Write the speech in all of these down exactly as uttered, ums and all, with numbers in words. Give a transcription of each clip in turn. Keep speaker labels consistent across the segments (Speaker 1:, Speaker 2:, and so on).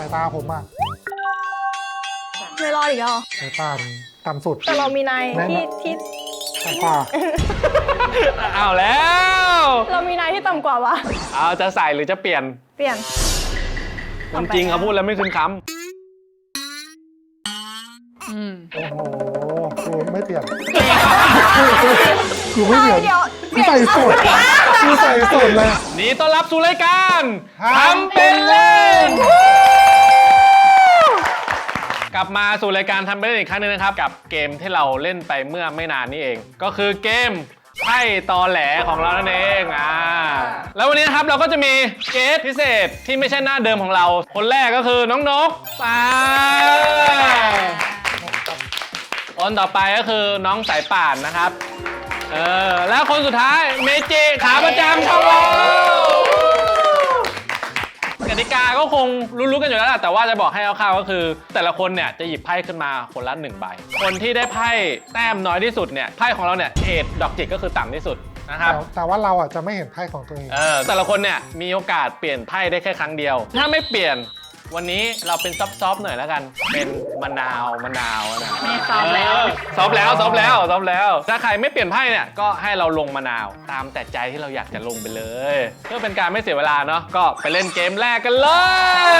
Speaker 1: ายตาผมอะ
Speaker 2: ไม่รอดอีกเหรอ
Speaker 1: สายตาต่ำสุด
Speaker 2: แต่เรามีนายที่ที่
Speaker 1: สายตา
Speaker 3: เอาแล้ว
Speaker 2: เรามีนายที่ต่ำกว่าวะ
Speaker 3: เอาจะใส่หรือจะเปลี่ยน
Speaker 2: เปลี่ยน
Speaker 3: คนจริงเขาพูดแล้วไม่คืนคำ
Speaker 1: โอ้โหกูไม่เปลี่ยนกูไม่เปลี่ยนกูใส่สุดกูใส่สุดเลย
Speaker 3: นี่ต้อนรับสู่รายการ
Speaker 1: ทำเป็นเล่น
Speaker 3: กลับมาสู่รายการทำเป็นเล่นอีกครั้งนึงนะครับกับเกมที่เราเล่นไปเมื่อไม่นานนี้เองก็คือเกมไพ่ตอแหลของเรานั่นเองอ่าแล้ววันนี้นะครับเราก็จะมีเกสพิเศษที่ไม่ใช่หน้าเดิมของเราคนแรกก็คือน้องนกป้าคนต่อไปก็คือน้องสายป่านนะครับเออแล้วคนสุดท้ายเมจิขาประจำของเรากติกาก็คงรู้ๆกันอยู่แล้วแหละแต่ว่าจะบอกให้คร่าวๆก็คือแต่ละคนเนี่ยจะหยิบไพ่ขึ้นมาคนละหนึ่งใบคนที่ได้ไพ่แต้มน้อยที่สุดเนี่ยไพ่ของเราเนี่ยเอทดอกจิกก็คือต่ำที่สุดนะครับ
Speaker 1: แต่ว่าเราอ่ะจะไม่เห็นไพ่ของตัวเอง
Speaker 3: เออแต่ละคนเนี่ยมีโอกาสเปลี่ยนไพ่ได้แค่ครั้งเดียวถ้าไม่เปลี่ยนวันนี้เราเป็นซอฟต์ๆหน่อยแล้วกันเป็นมะนาวมะนาวนะ
Speaker 2: มีซอฟแล้ว
Speaker 3: ซอฟแล้วซอฟแล้วซอฟแล้วถ้าใครไม่เปลี่ยนไพ่เนี่ยก็ให้เราลงมะนาวตามแต่ใจที่เราอยากจะลงไปเลยเพื่อเป็นการไม่เสียเวลาเนาะก็ไปเล่นเกมแรกกันเลย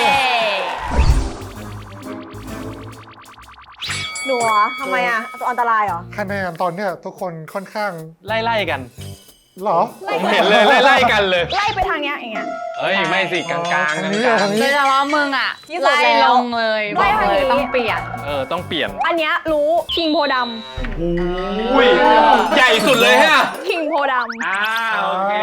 Speaker 2: หนูเหรอทำไมอ่ะอันตรายเหรอ
Speaker 1: คะแนนตอนเนี้ยทุกคนค่อนข้าง
Speaker 3: ไล่ๆกัน
Speaker 1: หรอ
Speaker 3: ผมเห็นเลยไล่ๆกันเลย
Speaker 2: ไล่ไปทางเนี้ยอย่างเงี้ย
Speaker 3: เอ้ยไม่สิกลางๆกลางๆ
Speaker 4: โดยเฉพาะมึงอ่ะไล่ลงเลยบอกเลยต้องเปลี่ยน
Speaker 3: เออต้องเปลี่ยน
Speaker 2: อันเนี้ยรู้คิงโพด
Speaker 3: ำอุ้ยใหญ่สุดเลยฮะ
Speaker 2: คิงโพดำ
Speaker 3: อ่าโอเค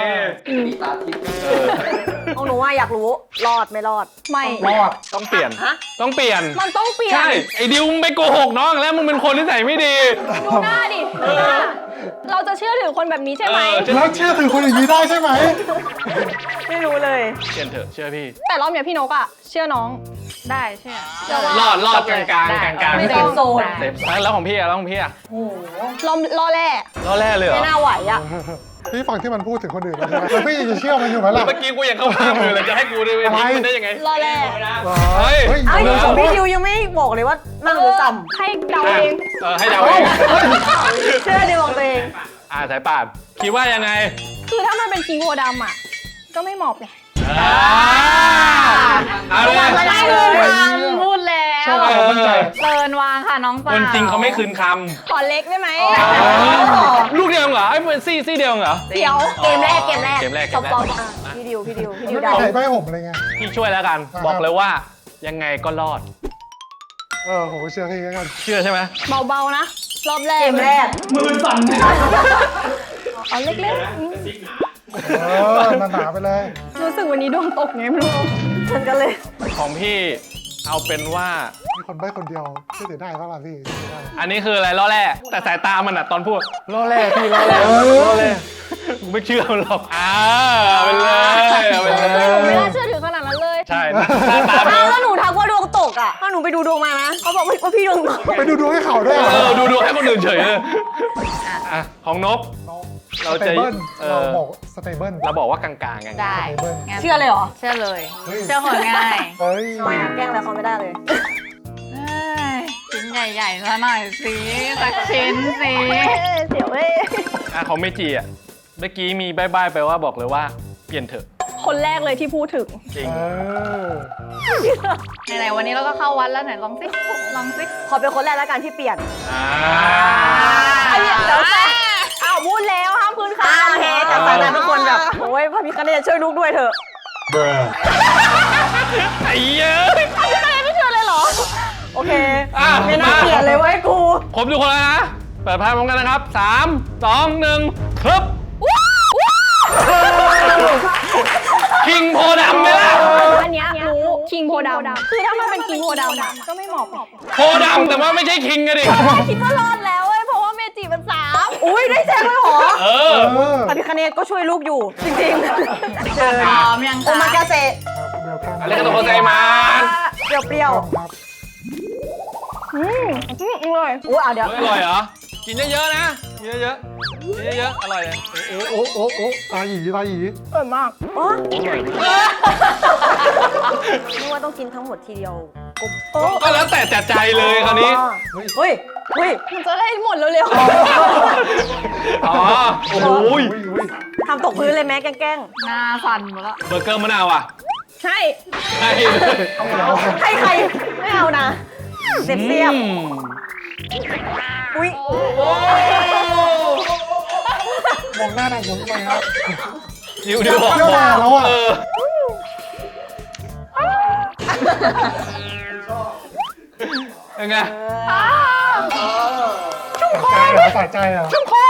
Speaker 2: ของหนูว่าอยากรู้รอดไม่รอดไม่
Speaker 1: รอด
Speaker 3: ต้องเปลี่ยนต้องเปลี่ยน
Speaker 2: มันต้องเปลี่ยน
Speaker 3: ใช่ไอ้ดิวมึงไปโกหกน้องแล้วมึงเป็นคนที่ใส่ไม่ดี
Speaker 2: ดูหน้าดิเราจะเชื่อถือคนแบบนี้ใช่ไหม
Speaker 1: แล้วเชื่อถือคนอย่างนี้ได้ใช่ไหม
Speaker 2: ไม่รู้เลย
Speaker 3: เชื่อเถอะเชื่อพี่
Speaker 2: แต่รอบเนี้ยพี่นกอ่ะเชื่อน้อง
Speaker 4: ได้เชื่อ
Speaker 3: รอดรอดกลางกลางกลางกลาง
Speaker 2: ไม่ต้องโซน
Speaker 3: แล้วของพี่อะแล้วของพี่อะ
Speaker 2: โอ้รอล่อแร่
Speaker 3: ล่อแร่เลยเหรอ
Speaker 2: ไม่น่าไหวอ่ะ
Speaker 1: พี่ฟังที่มันพูดถึงคนอื่นแล้วใช่ไหมแล้วพี่จะเชื่อมันอยู่ไหมล่ะ
Speaker 3: เมื่อกี้กูยังเข้าข้างอยู่เลยจะให้กูได้ไหมมันได้ยังไง
Speaker 2: ล่อแร่
Speaker 3: เฮ้ย
Speaker 2: เอ้ยของพี่ดิวยังไม่บอกเลยว่านั่งหรือจำให้เดาเอง
Speaker 3: เออให้เดาเอง
Speaker 2: เชื่อดิวของตัวเอง
Speaker 3: อ่าสายป่านคิดว่ายังไง
Speaker 2: คือถ้ามันเป็นคิงโพดำอ่ะก็ไม่เหมาะเลย
Speaker 3: เอาเลย
Speaker 4: ไม่คืนคำพูดแล้วเตินวางค่ะน้องป่า
Speaker 3: คนจริงเขาไม่คืนค
Speaker 2: ำขอเล็กได้ไหม
Speaker 3: ลูกเดียวเหรอไอ้เป็นซี่ซี่เดียวเหรอ
Speaker 2: เดี๋ยวเกมแรกเกมแรก
Speaker 3: เกมแรก
Speaker 2: ซอฟต์พี่ดิวพี่ดิวพี่ดิว
Speaker 1: ได้ใบผมอะไรเงี้ย
Speaker 3: พี่ช่วยแล้วกันบอกเลยว่ายังไงก็รอด
Speaker 1: เออผมเชื่อพี่กัน
Speaker 3: เชื่อใช่ไหม
Speaker 2: เบาๆนะรอบแรกเกมแรก
Speaker 3: มือสั่น
Speaker 2: เอาเล็ก
Speaker 1: ๆเออหนาๆไปเลย
Speaker 2: รู้สึกวันนี้ดวงตกไงไม่รู้ฉันก็เลย
Speaker 3: ของพี่เอาเป็นว่า
Speaker 1: มีคนใบ้คนเดียวที่เสียได้ป่ะล่ะพี่
Speaker 3: อันนี้คืออะไรล่อแร่แต่สายตามันอะตอนพูดล่อแร่พี่ล่อแร่ล่อแร่กูไม่เชื่อมันหรอกอ่าเอาไปเลยเอาไปเลย
Speaker 2: ผมไม่น่าเชื่อถือขนาดนั้นเลย
Speaker 3: ใช่ตา
Speaker 2: แล้วหนูทักว่าดวงตกอ่ะถ้าหนูไปดูดวงมานะเขาบอกว่าพี่ดวงตก
Speaker 1: ไปดูดวงให้เขาด้วย
Speaker 3: เออดูดวงให้คนอื่นเฉยเลยอ่ะของนกเราจะ
Speaker 1: เราบอกสเตเบิล
Speaker 3: เราบอกว่ากลางๆไง
Speaker 4: ได้
Speaker 2: เชื่อเลยเหรอ
Speaker 4: เชื่อเลยเชื่อคนง่าย
Speaker 1: เฮ้ย
Speaker 2: แกล้งอะไรเขาไม่ได้เลย
Speaker 4: ชิ้นใหญ่ๆซะหน่อยสิสักชิ้นสิ
Speaker 2: เสียวเว้ย
Speaker 3: อ่ะของเมจิอ่ะเมื่อกี้มีใบ้ๆไปว่าบอกเลยว่าเปลี่ยนเถอะ
Speaker 2: คนแรกเลยที่พูดถึง
Speaker 3: จริง
Speaker 4: ไหนๆวันนี้เราก็เข้าวัดแล้วไหนลองสิลองสิ
Speaker 2: ขอเป็นคนแรกแล้วกันที่เปลี่ยน
Speaker 3: อ่า
Speaker 2: เดี๋ยวอ้าวพูดแล้วห้ามพื้นค่ะโอเคแต่สายตาทุกคนแบบโอ้ยพระพิฆเนศช่วยลูกด้วยเถอะ
Speaker 3: ไอ้เย้ย
Speaker 2: พระพิฆเนศไม่เชื่อเลยเหรอโอเคไม่น่าเปลี่ยนเลยเว้ยกู
Speaker 3: ครบทุกคนแล้วนะเปิดไพ่พร้อมกันนะครับสามสองหนึ่งครับคิงโพดำไหมล่ะ
Speaker 2: อันนี้รู้คิงโพดำคือถ้ามันเป็นคิงโพดำอ่ะก็ไม่เหมาะ
Speaker 3: โพดำแต่ว่าไม่ใช่คิงกันดิ
Speaker 2: คิดว่ารอดแล้วเว้ยเพราะว่าเมจิมันสามอุ้ยได้แจ้งเลยเหรอ
Speaker 3: เออ
Speaker 2: พระพิฆเนศก็ช่วยลูกอยู่จริงๆ
Speaker 4: เจอพร้อมยัง
Speaker 2: โอมากาเซ
Speaker 3: อะไรกันตัวโคไซมา
Speaker 2: เปรี้ยวเปรี้ยวอืมอืมอร่อยอุ้ยอ่ะเดี๋ยว
Speaker 3: อร่อยเหรอกินเยอะๆนะกินเยอะเยอะๆอร่อยเลย
Speaker 1: โอ้โอ้โอ้ตาหยีตาหยี
Speaker 2: อร่อยมาก
Speaker 3: โอ้อร่อยมาก
Speaker 2: นึกว่าต้องกินทั้งหมดทีเดียวกบ
Speaker 3: ก็แล้วแต่จัดใจเลยคราวนี้
Speaker 2: เฮ้ยเฮ้ยมันจะได้หมดเร็ว
Speaker 3: อ๋อ โอ้โห
Speaker 1: อุ้ยอุ้ย
Speaker 2: ๆทำตกพื้นเลยแม่แกล้ง
Speaker 4: หน้าสั่นหมดแล้ว
Speaker 3: เบอร์เกอร์มะนาวอ่ะ
Speaker 2: ๆใช่
Speaker 3: ใช่
Speaker 2: ให้ใครไม่เอานะเสียบเสียบ
Speaker 3: อืม
Speaker 2: อุ้ย
Speaker 1: มองหน้าหน่อยมองไปครับ
Speaker 3: ดิวดิวบอก
Speaker 1: เปรี้ยวมาแล้วอะ
Speaker 3: เออยังไง
Speaker 1: ใจเหรอสะใจเหรอ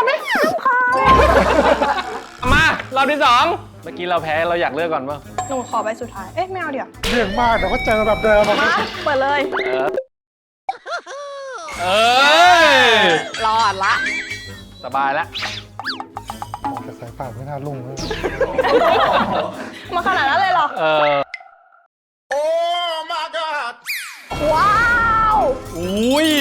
Speaker 3: มารอบที่สองเมื่อกี้เราแพ้เราอยากเลือกก่อนป่ะ
Speaker 2: หนูขอใบสุดท้าย เอ๊ะไม่เอาเดี๋ยว
Speaker 1: เรื่องมากเดี๋ยวก็เจอแบบเดิมอะ
Speaker 2: มาเปิดเลย
Speaker 3: เอ้ย
Speaker 2: รอดละ
Speaker 3: สบายแล้ว
Speaker 1: มองแต่สายป่านไม่น่าลุ่งเลย
Speaker 2: มาขนาดนั้นเลยเหรอ
Speaker 3: เออ
Speaker 2: ว้าว
Speaker 3: อุ้ย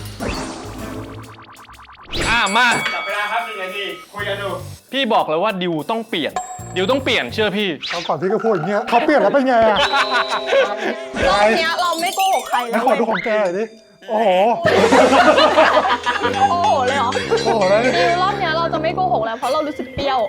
Speaker 3: อ่ะมา
Speaker 5: จับเวลาครับหนึ่งนาทีคุยกันดู
Speaker 3: พี่บอกเลยว่าดิวต้องเปลี่ยน ดิวต้องเปลี่ยนเชื่อพี่
Speaker 1: ตอนก่อนที่ก็พูดอย่างเงี้ยเขาเปลี่ยนแล้วเป็นไงอะ
Speaker 2: รอบเนี้ยเราไม่โกหกใครเล
Speaker 1: แล้
Speaker 2: ยว
Speaker 1: ขอดูของแกหน่อยดิโอ้โห
Speaker 2: โอ้โหเลยเหรอ
Speaker 1: โอ้โหแล้ว
Speaker 2: ดิวรอบเนี้ยเราจะไม่โกหกแล้วเพราะเรารู้สึกเปรี้ยว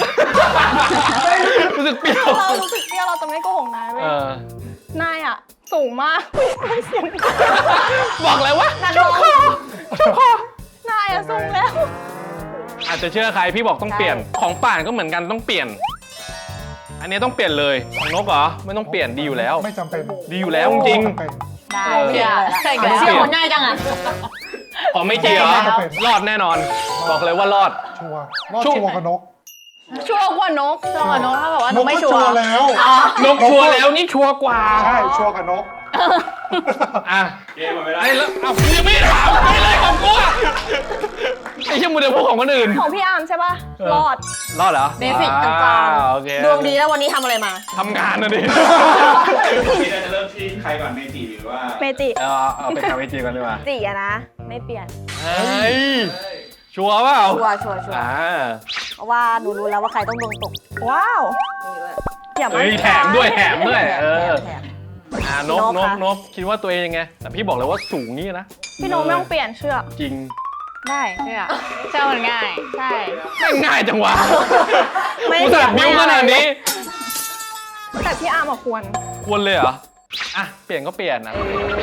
Speaker 3: รู้สึกเปรี้ยว
Speaker 2: เรารู้สึกเปรี้ยวเราจะไม่โกหกนายเว้ย
Speaker 3: เออน
Speaker 2: ายอ่ะสูงมากเสียง
Speaker 3: บอกเลยว่า
Speaker 2: นักร้องชุบคอนายอ่ะสูงแล้ว
Speaker 3: อาจจะเชื่อใครพี่บอกต้องเปลี่ยน ของป่านก็เหมือนกันต้องเปลี่ยน อันนี้ต้องเปลี่ยนเลยของนกเหรอไม่ต้องเปลี่ยนดีอยู่แล้ว
Speaker 1: ไม่จำเป็น
Speaker 3: ดีอยู่แล้วจริง
Speaker 1: ไม่จำเป็น
Speaker 4: ได้
Speaker 3: เออ
Speaker 4: เชื่อ
Speaker 2: ใช่
Speaker 3: เชื่อคนง่ายจั
Speaker 2: งอ่ะ
Speaker 3: ๆของไม่จริงเหรอ
Speaker 1: ไม่จำเป็น
Speaker 3: รอดแน่นอน บอกเลยว่ารอด
Speaker 1: ชัวร์รอด
Speaker 3: ชัวร์
Speaker 1: ชัวร์กับนก
Speaker 2: ชัวร์กว่านกชัวร์กว่านกถ้าแบบว่าน น
Speaker 1: ก
Speaker 2: กไม่
Speaker 1: ก็
Speaker 2: ชัว
Speaker 1: ชัว
Speaker 2: ร์
Speaker 1: ร์แล้ว
Speaker 3: นกชัวร์แล้วนี่ชัวร์กว่า
Speaker 1: ใช่ชัวร์กับนก
Speaker 3: อ่ะ
Speaker 5: เกมหมดเวลา
Speaker 3: ไอ้แล้วเอายังไม่ถามไปเลยของกูอะไอ้เชี่ยมูเดลพวกของคนอื่น
Speaker 2: ของพี่อาร์มใช่ป่ะ
Speaker 3: เออ
Speaker 2: รอด
Speaker 3: รอดเหรอ
Speaker 2: เบสิกกลาง
Speaker 3: อ่โอเค
Speaker 2: ๆดวงดีแล้ววันนี้ทำอะไรมา
Speaker 3: ทำงานนะดิ
Speaker 5: ทีเราจะเริ่มที่ใครก่อนเมจิหรือว่า
Speaker 2: เมจิ
Speaker 3: เอาเอาไปทำไอจีกันดีกว่า
Speaker 2: จีอะนะ ไม่เปลี่ยน
Speaker 3: เฮ้ย ชัวร์เปล่า
Speaker 2: ชัวร์ชัวร์ชัวร์
Speaker 3: อ่า
Speaker 2: เพราะว่าหนูรู้แล้วว่าใครต้องดวงตก ว้าวอย่า
Speaker 3: เฮ้ยแถมด้วยแถมด้วย เออ
Speaker 2: แถม
Speaker 3: อ่านก
Speaker 2: น
Speaker 3: น
Speaker 2: ก
Speaker 3: ก
Speaker 2: ค่ะ
Speaker 3: นกคิดว่าตัวเองยังไง แต่พี่บอกเลยว่าสูงนี่นะ
Speaker 2: พี่โนไม่ต้องเปลี่ยนเชือก
Speaker 3: จริง
Speaker 4: ได้เชื่อเชื่อมันง่าย ใช่
Speaker 3: ไม่ง่ายจังวะ
Speaker 2: ไม่
Speaker 3: กูสัตว์บิ้วขนาดนี้
Speaker 2: แต่พี่อาร์มอะควร
Speaker 3: ควรเลยเหรอ อ่ะ เปลี่ยนก็เปลี่ยนนะ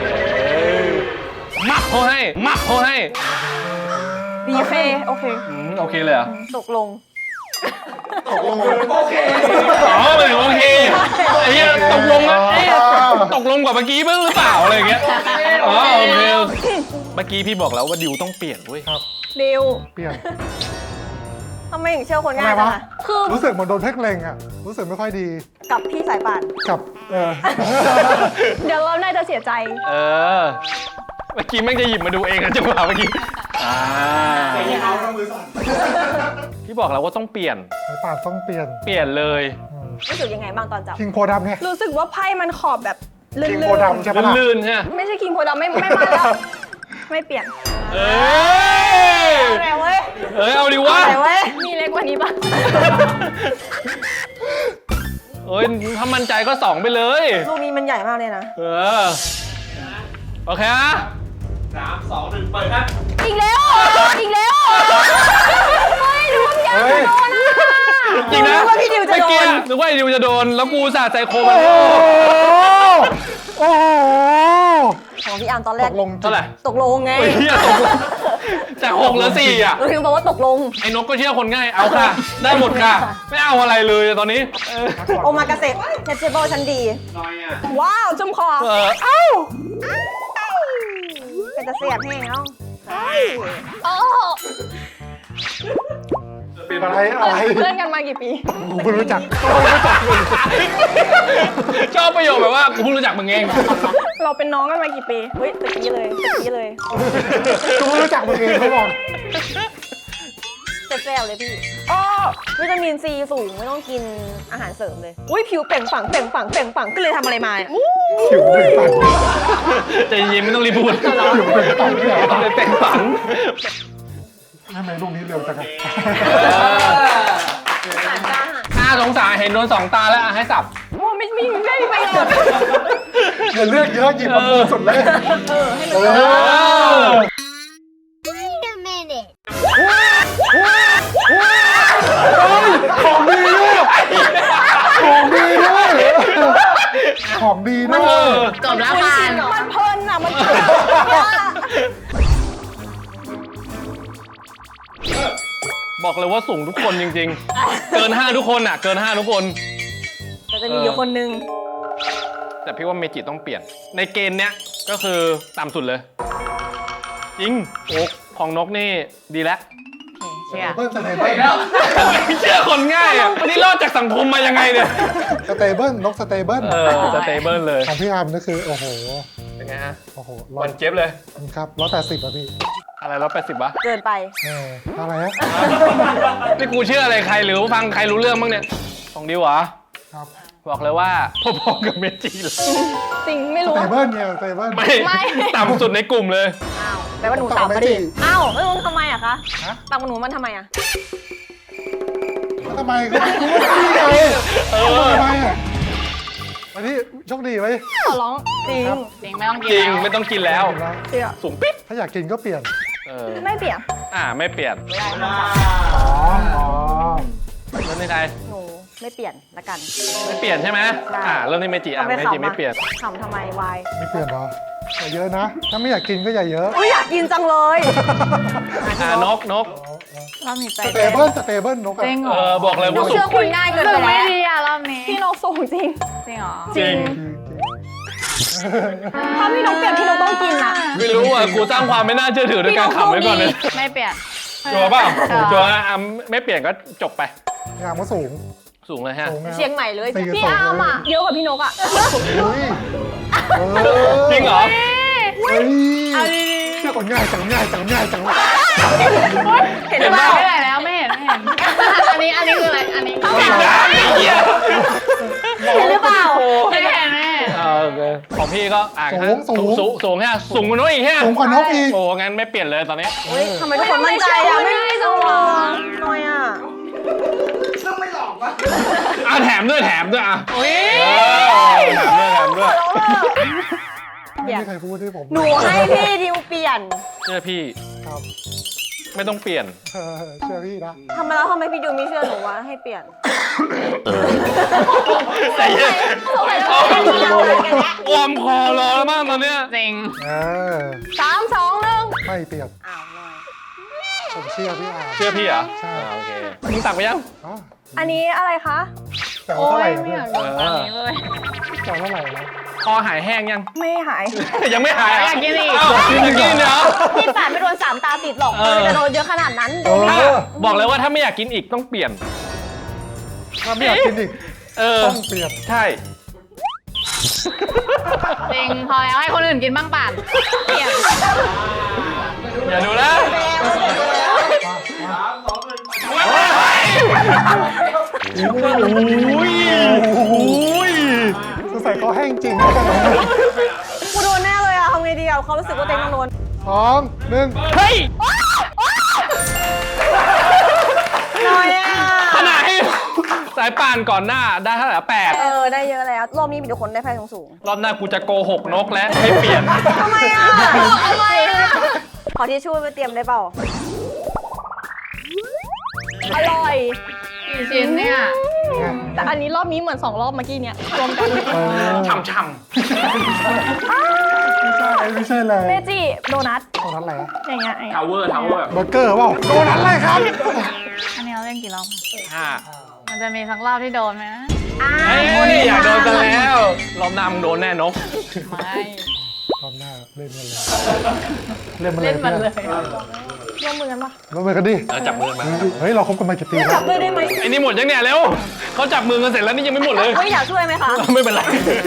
Speaker 3: มักเขาให้ มักเขาให้
Speaker 2: ดีโอเคโอเค
Speaker 3: อืมโอเคเลยเหรอ
Speaker 2: ตกลง
Speaker 1: ตกลง
Speaker 5: โอเค
Speaker 3: อ๋อหมายถึงโอเคไอ้เหี้ยตกลงนะเอ๊ะตกลงกว่าเมื่อกี้บ้างหรือเปล่าอะไรอย่างเงี้ย อ๋อโอเคโอเคเมื่อกี้พี่บอกแล้วว่าดิวต้องเปลี่ยนเว้ย
Speaker 1: ครับ
Speaker 2: ดิว
Speaker 1: เปลี่ยน
Speaker 2: ทำไมถึงเชื่อคนง่าย
Speaker 1: ทำไม
Speaker 2: จัง
Speaker 1: วะ
Speaker 2: อะคือ
Speaker 1: รู้สึกเหมือนโดนเพ่งเล็งอะรู้สึกไม่ค่อยดี
Speaker 2: กับพี่สายป่าน
Speaker 1: กับเออ
Speaker 2: เดี๋ยวเราน่าจะเสียใจ
Speaker 3: เออ เมื่อกี้แม่งจะหยิบมาดูเองนะจังหวะเมื่อกี้ อ่า
Speaker 5: แต่ยังเอาต้องมือสั่น
Speaker 3: พี่บอกแล้วว่าต้องเปลี่ยน
Speaker 1: สายป่านต้องเปลี่ยน
Speaker 3: เปลี่ยนเลย
Speaker 2: รู้สึกยังไงบ้างตอนจับ
Speaker 1: คิงโพดำไง
Speaker 2: รู้สึกว่าไพ่มันขอบแบบลื่
Speaker 1: คิง
Speaker 2: น
Speaker 1: โพดำใช่ปะล่ะ
Speaker 3: ลื่นๆใช่ไหม
Speaker 2: ๆไม่ใช่คิงโพดำไม่ไม่มาแล้ว ไม่เปลี่ยน
Speaker 3: เอ้ย
Speaker 2: เอาแล้วเว้ย
Speaker 3: เอ้ย เอาดิวะ
Speaker 2: เอาแล้วเว้ย มีเล็กกว่านี้ปะ
Speaker 3: เอ้ย ถ้ามั่นใจก็สองไปเลย
Speaker 2: ลูกนี้มันใหญ่มากเลยนะ
Speaker 3: เออ โอเคนะ
Speaker 5: สามสองหนึ่งเปิดครับ
Speaker 2: อีกแล้วเหรออีกแล้วเหรอเฮ้ยดูว่าพี่อาร์มจะโดนอ่ะ
Speaker 3: จริงนะ
Speaker 2: นึกว่าพี่ดิวจะโด
Speaker 3: เมื่อกี้
Speaker 2: น
Speaker 3: นึกว่าไอ้ดิวจะโดน แล้วกูสาดใจโคมัน
Speaker 1: โอ้โหโอ้โห
Speaker 2: ของพี่อาร์มตอนแร
Speaker 1: ต
Speaker 2: ก
Speaker 1: กลง
Speaker 3: เท่าไหร่
Speaker 2: ตกลงไง
Speaker 3: เฮ้ยเหี้ยตกลงจากหกเหลือสี่อ่ะ
Speaker 2: เราถึงบอกว่าตกลง
Speaker 3: ไอ้นกก็เชื่อคนง่าย เอาค่ะ ได้หมดค่ะ ไม่เอาอะไรเลยตอนนี้เออ
Speaker 2: โอมากาเสะเทปเชเบิลชั้นดี
Speaker 5: น้อยอ่ะ
Speaker 2: ว้าวจุ่มคอ
Speaker 3: เออ
Speaker 2: เอ้าเป็นตะเสียบแห้งเอ้าเอ้ยโอ้
Speaker 1: อะไรอะไร
Speaker 2: เพื่อนกันมากี่ปี
Speaker 1: กูไม่รู้จักกูไม่รู้จักเลย
Speaker 3: ชอบประโยคแบบว่ากูเพิ่งรู้จักมึงเอง
Speaker 2: เราเป็นน้องกันมากี่ปี เฮ้ยตะกี้เลยตะกี้เลย
Speaker 1: กูไม่รู้จักมึงเองเขาบอก
Speaker 2: แซ่บๆเลยพี่อ้อวิตามินซีสูงไม่ต้องกินอาหารเสริมเลย อุ้ยผิวเปล่งปลั่งเปล่งปลั่งเปล่งปลั่งก็เลยทำอะไรมาเนี่ย
Speaker 1: ผิวเป็นปัน
Speaker 3: ใจเย็นไม่ต้องรีบพูด
Speaker 1: ผิวเป็นปันเนี่ย
Speaker 3: เป็นแต่งฝัง
Speaker 1: ทำไมลูกนี้เร็วจังอะ
Speaker 3: น่าสงสารเห็นโดนสองตาแล้วอ่ะให้สับ
Speaker 2: โอ้ไม่มีไม่มีประโยชน์
Speaker 1: อย่าเลือกเยอะหยิบมาปูสุดเลยเออ
Speaker 6: Wait a minute.
Speaker 1: ของดีด้วยของดีด้วยของดีด้วย
Speaker 4: จบแล้วผ่าน
Speaker 2: มันเพลินอ่ะมันเพลิน
Speaker 3: บอกเลยว่าสูงทุกคนจริงๆ เกินห้าทุกคนอ่ะ เกินห้าทุกคน
Speaker 2: แต่จะมีอยู่คนนึง
Speaker 3: แต่พี่ว่าเมจิต้องเปลี่ยน ในเกณฑ์เนี้ยก็คือต่ำสุดเลย จริงโอ๊กของนกนี่ดีแล้ว
Speaker 4: เชื่อ
Speaker 1: เบิ้ลสเตเบิ้ล
Speaker 3: เชื่อคนง่ายอ่ะวันนี้รอดจากสังคมมายังไงเนี่ย
Speaker 1: สเตเบิ้ลนกสเตเบิ้ล
Speaker 3: เออสเตเบิลเลย
Speaker 1: ของพี่อาร์มนี่คือโอ้โห
Speaker 3: เป็นไงฮะ
Speaker 1: โอ้โหร้
Speaker 3: วั
Speaker 1: อย
Speaker 3: นเจ็บเลย
Speaker 1: ครับร้อยแปดสิบอ่ะพี่
Speaker 3: อะไรร้อยแปดสิบวะ
Speaker 2: เกินไป
Speaker 1: เอออะไรฮะ
Speaker 3: นี่กูเชื่ออะไรใครหรือฟังใครรู้เรื่องบ้างเนี่ย ของดิวเหรอ
Speaker 1: ครับ
Speaker 3: บอกเลยว่าพอๆกับเมจิเลย
Speaker 2: จริงไม่
Speaker 1: ส
Speaker 2: รู้
Speaker 1: เตเบิ้ลเนี่ยสเตเบิ้ล
Speaker 3: ไม่ ต่ำสุดในกลุ่มเลย
Speaker 2: อ้าวแปลว่าหนูต่ำมาดิอ้าวแล้วทำไมอะคะต่ำกว่าหนูมันทำไมอะ
Speaker 1: ทำไมก็พี่ไง
Speaker 3: เออ
Speaker 1: ทำไมอ่ะวันนี้โชคดีไหม
Speaker 2: ขอร้องจริง
Speaker 4: จริงไม่ต้องกิน
Speaker 3: จริง
Speaker 4: แล้ว
Speaker 3: ไม่ต้องกินแล้ว
Speaker 2: เชื่อ
Speaker 3: สูงปิ๊บ
Speaker 1: ถ้าอยากกินก็เปลี่ยน
Speaker 3: เออ
Speaker 2: ไม่เปลี่ยน
Speaker 3: อ่าไม่เปลี่ยน
Speaker 1: อ๋ออ๋อ
Speaker 3: เริ่มที่ใคร
Speaker 2: หนูไม่เปลี่ยนละกัน
Speaker 3: ไม่เปลี่ยนใช่ไหม
Speaker 2: ใช่
Speaker 3: อ่าเริ่มที่เมจิอ่ะ
Speaker 2: ทำไม
Speaker 3: เมจิ
Speaker 2: ขำอะ
Speaker 3: ไม่เปลี่ยน
Speaker 2: ขำทำไมวาย
Speaker 1: ไม่เปลี่ยนเหรออย่าเยอะนะ ถ้าไม่อยากกินก็อย่าเยอะ
Speaker 2: อุ้ยอยากกินจังเลย
Speaker 3: อ่านกนก
Speaker 4: รอบนี้ใจ
Speaker 1: สเตเบิ้ลสเตเบิ้ลนกอะ
Speaker 4: จริงเหร
Speaker 3: เอ
Speaker 4: อ
Speaker 3: อบอกเลย
Speaker 2: หนู
Speaker 3: ว่าสู
Speaker 2: เชื่
Speaker 3: ง
Speaker 2: อคุณง่ายเกิน
Speaker 4: รู้
Speaker 2: ไป
Speaker 4: สึกไม่
Speaker 2: แล้ว
Speaker 4: ดีอะรอบนี้
Speaker 2: พี่นกสูงจริง
Speaker 4: จริงเหรอ
Speaker 3: จริง
Speaker 2: ถ้าพี่นกเปลี่ยนพี่นกต้องกินอะ
Speaker 3: ไม่รู้อ่ะกูสร้างความไม่น่าเชื่อถือด้วยการขำไว้ก่อนเลย
Speaker 4: ไม่เปลี่ยน
Speaker 3: จัวร์เปล่า
Speaker 4: เออ
Speaker 3: จัวร์อ่ะไม่เปลี่ยนก็จบไป
Speaker 1: งามก็สูง
Speaker 3: สูงเลยฮะ
Speaker 1: สูงนะ
Speaker 2: เชียงใหม่เลย
Speaker 1: สี่
Speaker 2: พี่
Speaker 1: สอง
Speaker 2: อาร์มอะเยอะกว่าพี่นกอะ
Speaker 1: อุ้ยเออ
Speaker 3: จริงเหรอ
Speaker 1: เฮ้ย
Speaker 4: เอาดี
Speaker 1: เชื่อคนง่ายจังง่ายจังง่ายจังเลย
Speaker 2: เห็นหรือเปล่า
Speaker 4: ไม่ได้แล้วไม่เห็นไม่เห็น อันนี้อันนี้คืออะไร อันนี้
Speaker 3: จริงนะไอ้เหี้ย
Speaker 2: เห็นหรือเปล่า
Speaker 4: ไม่เห็นไม่เห็น
Speaker 3: อ่าโอเคของพี่ก็อ่า
Speaker 1: สูงสูง
Speaker 3: สูงสูงแค่สูงกว่าน้อยอีกแค่
Speaker 1: สูงกว่านกอีก
Speaker 3: โอ้งั้นไม่เปลี่ยนเลยตอนนี้
Speaker 2: เฮ้ยทำไมทุกคนมั่นใจอะไม่ได้จังเลยน้อยอะ
Speaker 3: อ่ะแถมด้วยแถมด้วยอ่ะ
Speaker 2: อุ้ย
Speaker 3: เออแถมด้วยแถมด้วย
Speaker 1: ไม่มีใครพูดให้ผม
Speaker 2: หนูให้พี่ดิวเปลี่ยน
Speaker 3: เชื่อพี่
Speaker 1: ครับ
Speaker 3: ไม่ต้องเปลี่ยน
Speaker 1: เออเชื่อพี่นะ
Speaker 2: ทำไมแล้วทำไมพี่ดิวไม่เชื่อหนูวะให้เปลี่ยน
Speaker 3: ใจเย็น
Speaker 2: ทำไมต้องเป็นเราอะไรกันเนี่ย
Speaker 3: วอร์มคอรอแล้วมั้งตอนเนี้ย
Speaker 4: จริง
Speaker 1: เออ
Speaker 2: สามสองหนึ่ง
Speaker 1: ไม่เปลี่ยน
Speaker 2: อ้าวน้อย
Speaker 1: ผมเชื่อพี่อาร์
Speaker 3: เชื่อพี่เหรอ
Speaker 1: ใช่
Speaker 3: อ่าโอเคมึงตักไปยัง
Speaker 1: อ๋อ
Speaker 2: อันนี้อะไรคะ
Speaker 1: แต่
Speaker 4: โอ้
Speaker 1: ว่าเท่าไหร่
Speaker 4: ย
Speaker 1: นะ
Speaker 4: ไม่
Speaker 1: เพื่
Speaker 4: อ
Speaker 1: อน
Speaker 4: ยากโดนตอนนี้เลย
Speaker 1: แต่เท่าไหร่นะ
Speaker 3: คอหายแห้งยัง
Speaker 2: ไม่หาย
Speaker 3: ยังไม่หาย
Speaker 4: อยากกินอีก
Speaker 3: อ้าวอยากกินเหรอ
Speaker 2: พี่ปาดไม่โดนสามตาติดหรอก
Speaker 3: เออ
Speaker 2: เลยจะโดนเยอะขนาดนั้น
Speaker 1: เออ
Speaker 3: บอกเลยว่าถ้าไม่อยากกินอีกต้องเปลี่ยน
Speaker 1: ถ้าไม่อยากกินอีก
Speaker 3: เออ
Speaker 1: ต้องเปลี่ยน
Speaker 3: ใช่
Speaker 4: จริง พอแล้วให้คนอื่นกินบ้างป่านเปลี่ยน
Speaker 3: อย่าดูนะ
Speaker 5: สามสองหนึ่ง
Speaker 3: อุ้ยอุ้ย
Speaker 1: สงสัยเขาแห้งจริง
Speaker 2: กูโดนแน่เลยอะทำไงดีอะเขารู้สึกว่าเต็งต้องโดน
Speaker 1: สองหนึ่ง
Speaker 3: เฮ้ย
Speaker 2: น้อยอะ
Speaker 3: ขนาดให้สายป่านก่อนหน้าได้เท่าไหร่แปด
Speaker 2: เออได้เยอะแล้วรอบนี้มีแต่คนได้ไพ่สูง
Speaker 3: รอบหน้ากูจะโกหกนกแล้วไม่เปลี่ยน
Speaker 2: ๆทำไมอะทำไมอะขอที่ช่วยไปเตรียมได้เปล่าอร่อย
Speaker 4: กี่ชิ้นเนี่ย
Speaker 2: แต่อันนี้รอบนี้เหมือนสองรอบเมื่อกี้เนี่ยรวมกัน
Speaker 1: เออ
Speaker 3: ช่ำช่
Speaker 1: ไม่ใช่ไม่ใช่เลย
Speaker 2: เมจิโดนัท
Speaker 1: ตรงนั้นอะไรอะ
Speaker 2: อย่างเงี้ยอย่าง
Speaker 3: ำ
Speaker 2: เงี้
Speaker 3: ทาวย เวอร์ทาวเวอร์
Speaker 1: เบอร์เกอร์เปล่าโดนอะไรครับ
Speaker 4: อันนี้เราเล่นกี่รอบ
Speaker 3: ห้า
Speaker 4: มันจะมีสักรอบที่โดนไหมนะ
Speaker 2: อ่า
Speaker 3: เฮ้ยอยากโดนกันแล้วรอบหน้ามึงโดนแน่นก
Speaker 4: ไม่
Speaker 1: ตอนหน้าเล่นกันเลยเล่นมันเลย
Speaker 4: เล่นมันเลย
Speaker 2: ร่วมมือกันปะ
Speaker 1: ร่วมมือกันดิ
Speaker 3: แล้วจับมือมา
Speaker 1: เฮ้ยเราคบกันมากี่ปีแล้
Speaker 2: จั
Speaker 1: ว
Speaker 2: บด้วยได้ไหม
Speaker 3: ไอ้นี่หมดยังเนี่ยเร็วเขาจับมือกันเสร็จแล้วนี่ยังไม่หมดเลย
Speaker 2: เฮ้ยอยากช่วยไหมคะ
Speaker 3: ไม่เป็นไร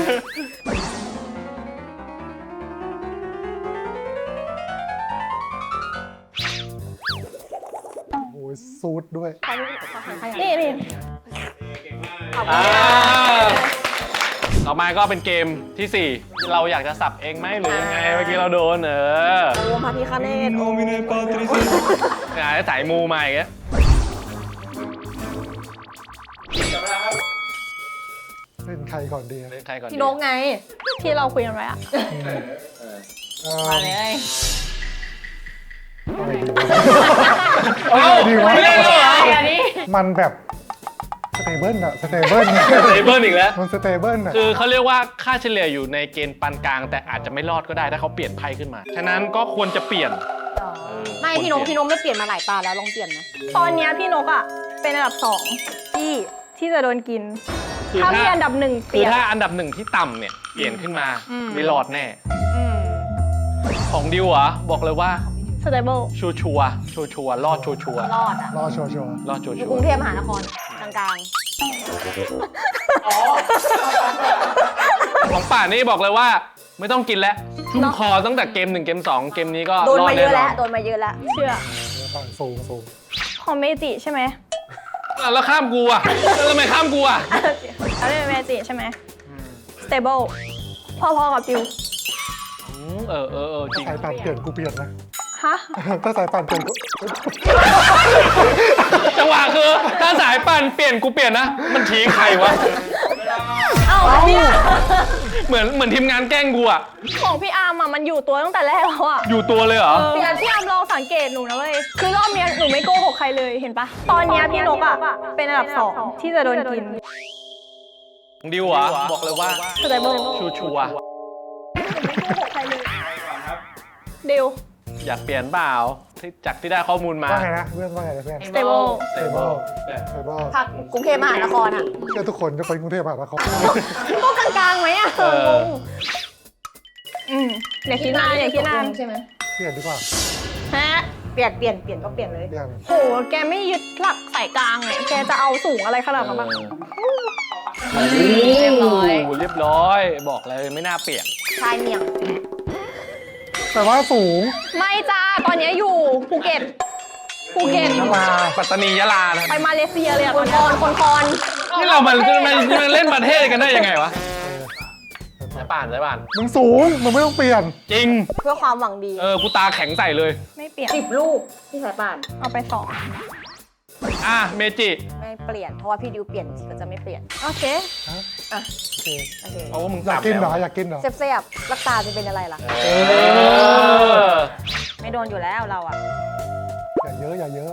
Speaker 1: โอ้ยซูดด้วย
Speaker 2: นี่นี่
Speaker 3: อ่าต่อมาก็เป็นเกมที่สี่เราอยากจะสับเองไหมหรือยังไงเมื่อกี้เราโดนเออ
Speaker 2: โอ้พระพิฆเนศโอ้
Speaker 3: งานสายมูมาอีกแล้ว
Speaker 1: เล่นใครก่อนดี
Speaker 3: เล่นใครก่อนดี
Speaker 2: พี่นกไง ที่เราคุยกันไว้อะ
Speaker 1: เอ่อ
Speaker 4: มาเลย
Speaker 1: อะไรดีวะ
Speaker 3: เอ้า
Speaker 1: ดีวะ
Speaker 3: ไม่เล่นแล้วเหรอ
Speaker 4: อันนี้
Speaker 1: มันแบบสเตเบิลอะสเตเบิล
Speaker 3: เซเบิลอีกแล้ว
Speaker 1: มันสเตเบิลอะ
Speaker 3: คือเขาเรียกว่าค่าเฉลี่ยอยู่ในเกณฑ์ปานกลาง แต่อาจจะไม่รอดก็ได้ถ้าเขาเปลี่ยนไพ่ขึ้นมา ฉะนั้นก็ควรจะเปลี่ยน
Speaker 2: ไม่พี่นกพี่นกไม่เปลี่ยนมาหลายตาแล้วลองเปลี่ยนไหมตอนเนี้ยพี่นกอ่ะเป็นอันดับสองที่ที่จะโดนกิน
Speaker 3: คือ
Speaker 2: ถ้า
Speaker 3: ถ้า
Speaker 2: มีอันดับหนึ่งเป
Speaker 3: คือ
Speaker 2: ลี่ยน
Speaker 3: ถ้าอันดับหนึ่งที่ต่ำเนี่ยเปลี่ยนขึ้นมา
Speaker 4: อืม
Speaker 3: ไม่รอดแน่
Speaker 2: อืม
Speaker 3: ของดิวเหรอบอกเลยว่า
Speaker 2: สเตเบิล
Speaker 3: ชัวชัวร์ชัวชัวร์รอดชัวชัวร์
Speaker 2: รอดอ่ะ
Speaker 1: รอโชว์โชว์
Speaker 3: รอดชัว
Speaker 2: อยู่
Speaker 3: ชั
Speaker 2: ก
Speaker 3: ว
Speaker 2: รุง
Speaker 3: ร์
Speaker 2: เทพมหานครกลาง
Speaker 3: ของป่านนี่บอกเลยว่าไม่ต้องกินแล้วชุ่มคอตั้งแต่เกมหนึ่งเกมสองเกมนี้ก็
Speaker 2: ๆโดน
Speaker 3: รอด
Speaker 2: มาเย
Speaker 3: แน่
Speaker 2: อะ
Speaker 3: นอ
Speaker 2: แล้ว
Speaker 3: น
Speaker 2: โดนมาเยอะแล้วเชื่อ
Speaker 1: ต่างสูงสูง
Speaker 2: ของเมจิใช่ไหม
Speaker 3: อ่ะแล้วข้ามกูอ่ะแล้วทำไมข้ามกูอ่ะ
Speaker 2: อันนี้เป็นเมจิใช่ไหมสเตเบิลพอๆกับจิว
Speaker 3: อืมเออเออเออจริง
Speaker 1: สายปั่นเปลี่ยนกูเปลี่ยนนะ
Speaker 2: ฮะ
Speaker 1: ถ้าสายปั่นเปลี่ยนกู
Speaker 3: จังหวะคือถ้าสายปั่นเปลี่ยนกูเปลี่ยนนะ มันทิ้งใครวะ
Speaker 2: เอ้าเนี่ย
Speaker 3: เหมือนเหมือนทีมงานแกล้งกูอ่ะ
Speaker 2: ของพี่อาร์มอะมันอยู่ตัวตั้งแต่แรกแล้วอะ
Speaker 3: อยู่ตัวเลยเหรอ
Speaker 2: พี่อาร์มพี่อาร์มลองสังเกตหนูนะเว้ยคือรอบเนี้ยหนูไม่โกหกใครเลยเห็นปะตอนเนี้ยพี่นกอะเป็นอันดับสองที่จะโดนกิน
Speaker 3: ดิวเหรอ่ะบอกเลยว่า
Speaker 2: สเตเบิล
Speaker 3: ชัวชัวร์
Speaker 2: เดียว
Speaker 3: อยากเปลี่ยนเปล่าที่จากที่ได้ข้อมูลมา
Speaker 1: ว่าไงนะเพื่อนว่าไงนะเพื่อน
Speaker 2: สเตเบิล
Speaker 1: สเตเบิลสเตเบิล
Speaker 2: พักกรุงเทพมหานครอะ
Speaker 1: เชื่อทุกคนจะไปกรุงเทพมหานคร
Speaker 2: ก็กลางๆไหมอะ
Speaker 3: เออ
Speaker 2: อืมอย่าคิดนานอย่าคิดนานใช่ไหม
Speaker 1: เปลี่ยนดีกว่า
Speaker 2: ฮะเปลี่ยนเปลี่ยนเปลี่ยนก็เปลี่ยนเลย
Speaker 1: เปลี่ยน
Speaker 2: โหแกไม่ยึดหลักสายกลางไงแกจะเอาสูงอะไรขนาดนั้นบ้าง
Speaker 4: เรียบร้อย
Speaker 3: โโหเรียบร้อย บอกเลยไม่น่าเปลี่ยน
Speaker 2: ชายเมียง
Speaker 1: แต่ว่าสูง
Speaker 2: ไม่จ้าตอนเนี้ยอยู่ภูเก็ตภูเก็ต
Speaker 1: ยะลา
Speaker 3: ปัตตานียะลานะ
Speaker 2: ไปมาเลเซียเลยอะคนคอนคนคอน
Speaker 3: นี่เรามันมันมันเล่นประเทศกันได้ยังไงวะสายป่านสายป่าน
Speaker 1: มึงสูงมึงไม่ต้องเปลี่ยน
Speaker 3: จริง
Speaker 2: เพื่อความหวังดี
Speaker 3: เออ กูตาแข็งใส่เลย
Speaker 2: ไม่เปลี่ยนสิบลูกที่สายป่านเอาไปสอง
Speaker 3: อ่ะ เมจิ
Speaker 2: ไม่เปลี่ยนเพราะว่าพี่ดิวเปลี่ยนก็จะไม่เปลี่ยนโอเค
Speaker 1: ฮะ
Speaker 2: อ่ะ
Speaker 1: โอเค
Speaker 2: โอเค
Speaker 3: เอาว่ามึง
Speaker 1: อยาก
Speaker 3: ต่ำ
Speaker 1: กินเหรอ
Speaker 3: แล้ว
Speaker 1: อยากกินเหรอ
Speaker 2: เซฟๆลักตาจะเป็นอะไรล่ะ
Speaker 3: เออ
Speaker 2: ไม่โดนอยู่แล้วเราอะ
Speaker 1: อย่าเยอะอย่าเยอะ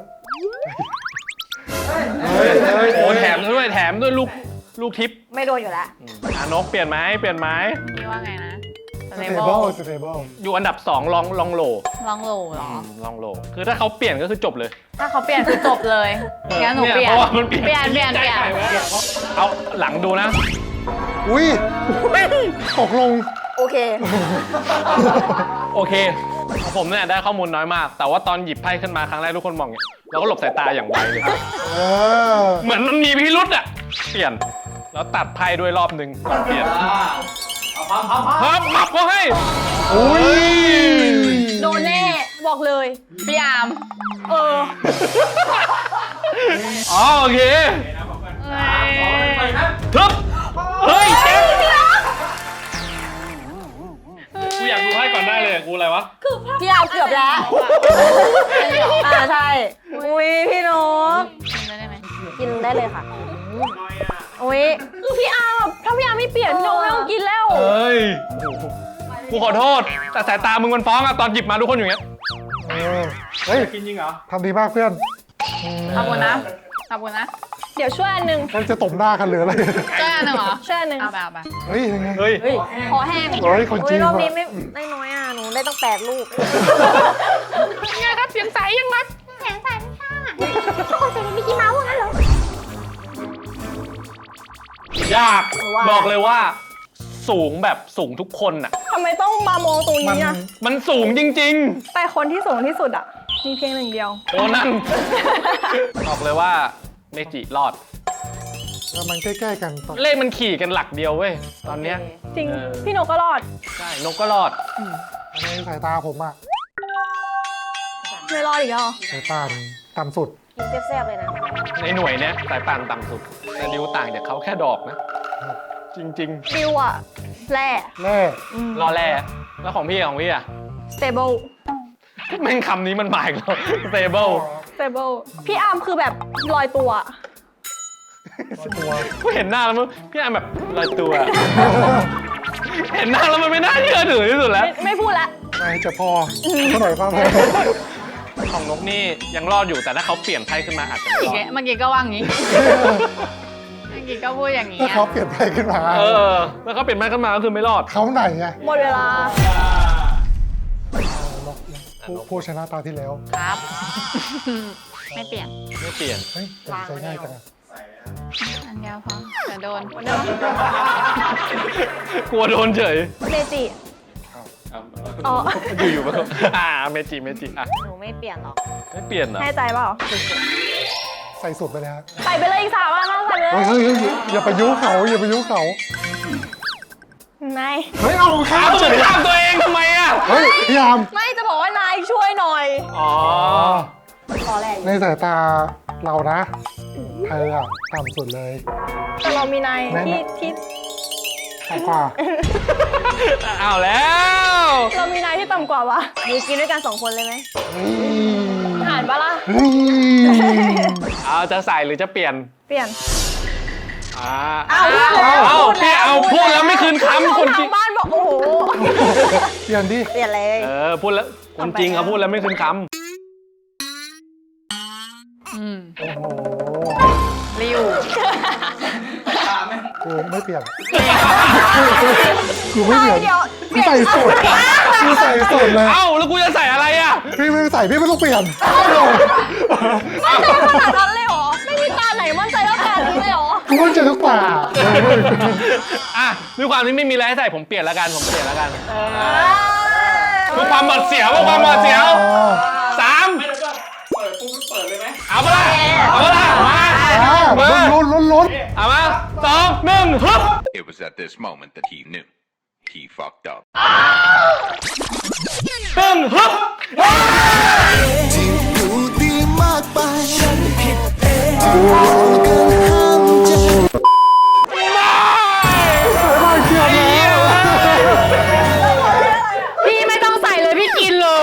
Speaker 3: โอ้แถมด้วยแถมด้วยลูกลูกทิป
Speaker 2: ไม่โดนอยู่แล้ว
Speaker 3: อ่ะนกเปลี่ยนไหมเปลี่ยนไหม
Speaker 4: พี่ว่าไงนะ
Speaker 1: ส
Speaker 4: ส
Speaker 1: เต
Speaker 4: เต
Speaker 1: เบิ
Speaker 4: เบิ
Speaker 1: ล
Speaker 4: ล
Speaker 1: สเตเบิล
Speaker 3: อยู่อันดับสองลองลองโหล
Speaker 4: ลองโหลเหรอ
Speaker 3: ลองโหลคือถ้าเขาเปลี่ยนก็คือจบเลย
Speaker 4: ถ้าเขาเปลี่ยนคือจบเลยงั้นหนูเปลี่ยน
Speaker 3: เพราะว่ามันเปลี่ยน
Speaker 4: เปลี่ยนเปลี่ยนเปลี่ยน
Speaker 3: เอาหลังดูนะ
Speaker 1: อุ้ยตกลง
Speaker 2: โอเค
Speaker 3: โอเคของผมเนี่ยได้ข้อมูลน้อยมาก แต่ว่าตอนหยิบไพ่ขึ้นมาครั้งแรกทุกคนมองเนี่ยเราก็หลบสายตาอย่างไวเลย
Speaker 1: เออ
Speaker 3: เหมือนมันมีพิรุษอะเปลี่ยน แล้วตัดไพ่ด้วยรอบหนึ่งก่อนเปลี่ยน
Speaker 5: เอาพับพับพับ
Speaker 3: พับพับก็ให้
Speaker 1: อุ้ย
Speaker 2: โดนแน่บอกเลย
Speaker 4: พี่อาร์ม
Speaker 2: เออ
Speaker 3: อ๋อโอเค
Speaker 4: เอ้ย
Speaker 5: ไปครับ
Speaker 3: ทึบเฮ้ยเจ๊กูอยากดูไพ่ก่อนได้เลยกูอะไรวะ
Speaker 2: พี่อาร์มเกือบแล้วอ่าใช่ อุ้ยพี่นก
Speaker 4: กินได้ไหม
Speaker 2: กินได้เลยค่ะ
Speaker 5: น้อยอ่ะ
Speaker 2: อุ้ยคือพี่อาร์มถ้าพี่อาร์มไม่เปลี่ยนพี่นกไม่ต้องกินแล้ว
Speaker 3: เอ้ย กูขอโทษ แต่สายตามึงมันฟ้องอะตอนหยิบมาทุกคนอยู่อย่างเงี้ย
Speaker 1: เออเฮ้ย
Speaker 5: กินจริงเหรอ
Speaker 1: ทำดีมากเพื่อน
Speaker 4: ขอบคุณนะขอบคุณนะ
Speaker 2: เดี๋ยวช่วยอันหนึ่ง
Speaker 1: มันจะตบหน้ากันหรืออะไร
Speaker 4: เจ้าหนึ่งเหรอ
Speaker 2: ช่วยอันหนึ่ง
Speaker 4: เอาไปเอาไป
Speaker 1: เฮ้ยยังไง
Speaker 3: เฮ้ย
Speaker 2: เฮ้ยคอแห้ง
Speaker 1: โอ้ยคนจีน
Speaker 2: รอบ
Speaker 1: ว่ะ
Speaker 2: นี้ไม่ได้น้อยอ่ะ หนูได้ตั้งแปดลูก
Speaker 3: ไงครับเสียงใสยังครับ
Speaker 6: แสงสันค่ะทุกคนใส่มิกกี้เมาส์ว่างั้นเหรอ
Speaker 3: ยาก
Speaker 2: ว่า
Speaker 3: บอกเลยว่า สูงแบบสูงทุกคนอะ
Speaker 2: ทำไมต้องมามองตรง
Speaker 1: มัน
Speaker 2: นี้อ่ะ
Speaker 3: มันสูงจริง
Speaker 2: แต่คนที่สูงที่สุดอ่ะ มีเพียงหนึ่งเดียว
Speaker 3: ๆ โอ้นั่น บอกเลยว่าเมจิรอด
Speaker 1: แล้วมันใกล้ๆกันตอน
Speaker 3: เลขมันขี่กันหลักเดียวเว้ย ตอนเนี้ย
Speaker 2: จริง
Speaker 3: เออ
Speaker 2: พี่นกก็รอด
Speaker 3: ใช่ นกก็รอด
Speaker 1: ในสายตาผมอะ
Speaker 2: ไม่รอดอีกแล้ว
Speaker 1: สายตาต่ำสุด
Speaker 2: กินแซ่บๆเลยนะ
Speaker 3: ในหน่วยเนี้ยสายป่านต่ำสุด แต่ดิวต่างจากเขาแค่ดอกนะจริง
Speaker 2: ฟิวอะแร่
Speaker 1: แน่
Speaker 3: ๆ รอแร่แล้วของพี่ของพี่อะ
Speaker 2: stable
Speaker 3: แม่งคำนี้มันหมายแล้ว stable
Speaker 2: stable พี่อาร์มคือแบบลอยตัว
Speaker 1: ตัว
Speaker 3: กูเห็นหน้าแล้วมั้งพี่อาร์มแบบลอยตัว เห็นหน้าแล้วมันไม่น่าเชื่อถือที่สุดแล้ว
Speaker 2: ไม่ไม่พูดละ
Speaker 1: ไม่จะพอเท่าไหร่ความพอ
Speaker 3: ของนกนี่ยังรอดอยู่แต่ถ้าเขาเปลี่ยนไพ่ขึ้นมาอาจจะไม่
Speaker 4: อี
Speaker 3: ร
Speaker 4: ก
Speaker 3: อ
Speaker 4: แก
Speaker 3: ด
Speaker 4: เมื่อกี้ก็ว่างี้ เมื่อกี้ก็พูดอย่างนี้
Speaker 1: ถ้า
Speaker 4: อะ
Speaker 1: เขาเปลี่ยนไปขึ้นมา
Speaker 3: เออแล้วเขาเปลี่ยนไพ่ขึ้นมาก็คือไม่รอด
Speaker 1: เขาไหนไง
Speaker 2: หมดเวลา
Speaker 1: ผู้ผู้ชนะตาที่แล้ว
Speaker 4: ครับ ไม่เปลี่ยน
Speaker 3: ไม่เปลี่ยน
Speaker 1: เฮ้ยตัดสินใจง่ายจังอะ
Speaker 4: อันเดียวพอจะโดน
Speaker 3: กลัวโดนเฉย
Speaker 2: เมจิ อ๋อ
Speaker 3: อยู่ๆมาอ่าเมจิเมจิอ่ะ
Speaker 2: หนูไม่เปลี่ยนหรอก
Speaker 3: ไม่เปลี่ยนเหรอ
Speaker 2: แน่ใจเปล่า
Speaker 1: ใส่สุดไปเลยฮะ
Speaker 2: ใส่ไปเลยอีกสามอันนะใส่ไปเลย
Speaker 1: เฮ้ยเฮ้ยเฮ้ยอย่าไปยุเขาอย่าไปยุเขา
Speaker 2: นาย
Speaker 1: เฮ้ยเอาข้า
Speaker 3: อ้าว
Speaker 1: ม
Speaker 3: มึ
Speaker 1: เฉ
Speaker 3: ง
Speaker 1: ย
Speaker 3: ทำตัวเองทำไมอ่ะ
Speaker 1: เฮ้ยพี่ยาม
Speaker 2: ไม่จะบอกว่านายช่วยหน่อย
Speaker 3: อ๋อ
Speaker 2: รอแรกอยู่
Speaker 1: ในสายตาเรานะเธออะต่ำสุดเลย
Speaker 2: แต่เรามีนาย
Speaker 1: แน่น
Speaker 2: ที่
Speaker 1: อน
Speaker 2: ที่
Speaker 1: ต่ำกว่า
Speaker 3: เอาแล้ว
Speaker 2: เรามีนายที่ต่ำกว่าวะมีกินด้วยกันสองคนเลยไหม
Speaker 1: เฮ้ย
Speaker 2: อ่านปะล่ะ
Speaker 1: เฮ้ย
Speaker 3: เอาจะใส่หรือจะเปลี่ยน
Speaker 2: เปลี่ยน
Speaker 3: อ่า
Speaker 2: เอาพูดแล้ว
Speaker 3: เอา
Speaker 2: พูด
Speaker 3: พี่
Speaker 2: แล้ว
Speaker 3: เอาพูดแล้วไม่คืนคำคน
Speaker 2: ทา
Speaker 3: จริ
Speaker 2: ง
Speaker 3: ง
Speaker 2: บ้านบอกโอ้โห
Speaker 1: เปลี่ยนดิ
Speaker 2: เปลี่ยนเลย
Speaker 3: เออพูดแล้วคนจริงเขาพูดแล้วไม่คืนค
Speaker 4: อืม
Speaker 1: โอ้โห
Speaker 4: ริว
Speaker 1: กูไม่เปลี่ยนกูไม่เปลี่ยน
Speaker 2: เดี๋ยว
Speaker 1: กูใส่สุดกูใส่สุดเล
Speaker 3: ำ
Speaker 1: ย
Speaker 3: เอ้าแล้วกูจะใส่อะไรอ่ะ
Speaker 1: พี่ไม่ใส่พี่ไม่ต้องเปลี่ยน
Speaker 2: มั่นใจขนาดนั้นเลยเหรอ ไม่มีตาไหนมั่นใจเท่ากันนี้เลยเหรอ
Speaker 1: กูมั่นใจทุกตา
Speaker 3: อ่ะด้วยความที่ไม่มีอะไรให้ใส่ผมเปลี่ยนแล้วกันผมเปลี่ยนแล้วกันเพื่อความหวาดเสียวเพื่อความหวาดเสียวสาม
Speaker 5: ไม่แล้วก็เปิดปุ๊บเปิดเลยไหม
Speaker 3: เอาไปละเอาไปละมา
Speaker 1: อ่าลุ้นลุ้นลุ้น
Speaker 3: เอามาสองหนึ่งฮึบ
Speaker 7: It was at this moment that he knew. He fucked up.
Speaker 3: หนึ่งฮึบ
Speaker 8: ที่ดูดีมากไปฉันผิดเองที่เรากันห้ามใจ
Speaker 4: พี่ไม่ต้องใส่เลยพี่กินเลย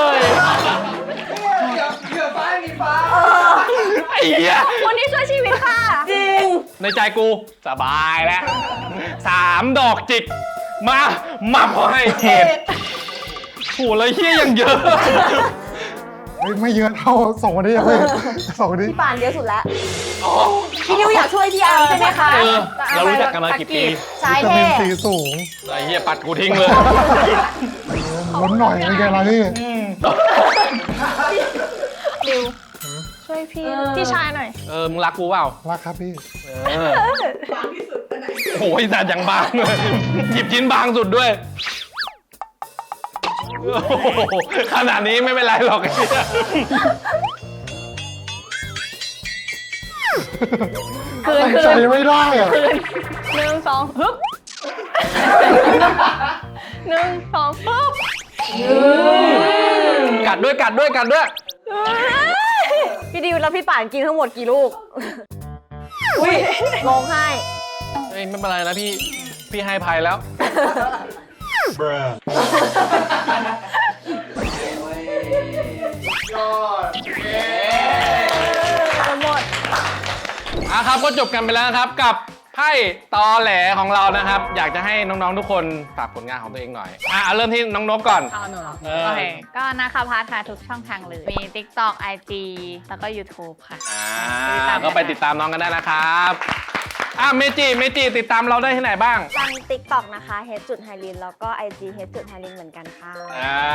Speaker 3: ไอ้เหี้ย
Speaker 2: วันนี้ช่วยชีวิตค่ะ จริง
Speaker 3: ในใจกูสบายแล้วสามดอกจิก มามาพอให้เห็ดโหเลยเฮี้ยยังเยอะ
Speaker 1: เฮ้ยไม่เยอะเท่าสองคนนี้ยังไม่สองคนนี้
Speaker 2: พี่ปานเยอะสุดแล้ว พี่นิวอยากช่วยพี่อาร์มใช่ไหมคะ
Speaker 3: เออเรารู้จักกันมากี่ปี
Speaker 2: ชาย
Speaker 1: วิตา
Speaker 2: เท่
Speaker 1: มินซีสูง
Speaker 3: ไอ้เฮี้ยปัดกูทิ้งเลย
Speaker 1: ลุ้นหน่อยเป็นไงล่ะนี่
Speaker 2: ดิวช่วยพี่พี่ชายหน่อย
Speaker 3: เออมึงรักกูเปล่า
Speaker 1: รักครับพี่
Speaker 3: เออโอ้ยแต่ยังบางเลยหยิบชิ้นบางสุดด้วยโอ้โหขนาดนี้ไม่เป็นไรหรอกไอ้เหี้ย
Speaker 2: คืน
Speaker 1: ตั้ง
Speaker 2: คื
Speaker 1: ใจ
Speaker 2: น
Speaker 1: ไม่ได้อะ
Speaker 2: คืนหนึ่งสองฮึบหนึ่งสองฮึบ
Speaker 3: กัดด้วยกัดด้วยกัดด้วย
Speaker 2: พี่ดิวแล้วพี่ป่านกินทั้งหมดกี่ลูก อุ้ยร้องไห้
Speaker 3: เฮ้ยไม่เป็นไรนะพี่พี่ให้ภัยแล้ว
Speaker 2: หมด
Speaker 3: อ่ะครับก็จบกันไปแล้วนะครับกับไพ่ตอแหลของเรานะครับ อยากจะให้น้องๆทุกคนฝากผลงานของตัวเองหน่อยอ่ะเอาเริ่มที่น้องนกก่อน
Speaker 4: เอาหนูเหรอ
Speaker 3: เออ
Speaker 4: โอเค ก็นะคะพาร์ทค่ะทุกช่องทางเลย มี TikTok ไอ จี แล้วก็ YouTube ค่ะ
Speaker 3: อ่า
Speaker 4: ติดตาม
Speaker 3: ก็ไปติดตามน้องกันได้นะครับอ่ะเมจิเมจิติดตามเราได้ที่ไหนบ้าง
Speaker 2: ทาง TikTok นะคะ เฮดจุดไฮรินแล้วก็ ไอ จี เฮดจุดไฮรินเหมือนกันค่ะ
Speaker 3: อ่า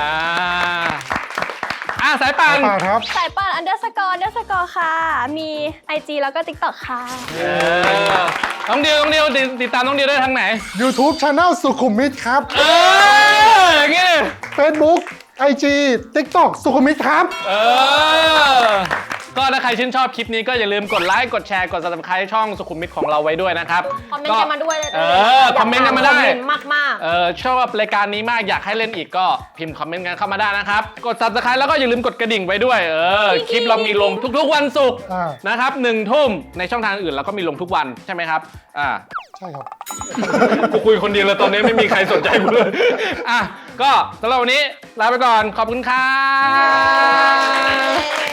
Speaker 3: อ่ะสายป่าน
Speaker 1: ป่าครับ
Speaker 2: สายป่านอันเดอร์สกอร์อันเดอร์สกอร์ค่ะ มี ไอ จี แล้วก็ TikTok ค่ะ
Speaker 3: เออน้องเดียวน้องเดียวติดติดตามน้องเดียวได้ทางไหน
Speaker 1: YouTube Channel สุขุมวิทครับ
Speaker 3: เอออย่างงี้
Speaker 1: Facebook ไอ จี TikTok สุขุมวิทครับ
Speaker 3: เออก็ถ้าใครชื่นชอบคลิปนี้ก็อย่าลืมกดไลค์กดแชร์กด ซับสไครบ์ ช่องสุขุมวิทของเราไว้ด้วยนะครับ
Speaker 2: คอมเมนต์กันมาด้วยเลย
Speaker 3: เออคอมเมนต์กันมาได้
Speaker 2: คอมเมนต์มากๆ
Speaker 3: เออชอบรายการนี้มากอยากให้เล่นอีกก็พิมพ์คอมเมนต์กันเข้ามาได้นะครับกด ซับสไครบ์ แล้วก็อย่าลืมกดกระดิ่งไว้ด้วยเออคลิปเรามีลงทุกๆวันศุกร์
Speaker 1: อ่า
Speaker 3: นะครับหนึ่งทุ่มในช่องทางอื่นเราก็มีลงทุกวันใช่ไหมครับอ่า
Speaker 1: ใช่ครับ
Speaker 3: กูคุยคนเดียวเลยตอนนี้ไม่มีใครสนใจกูเลยอ่ะก็สำหรับวันนี้ลาไปก่อนขอบคุณครับ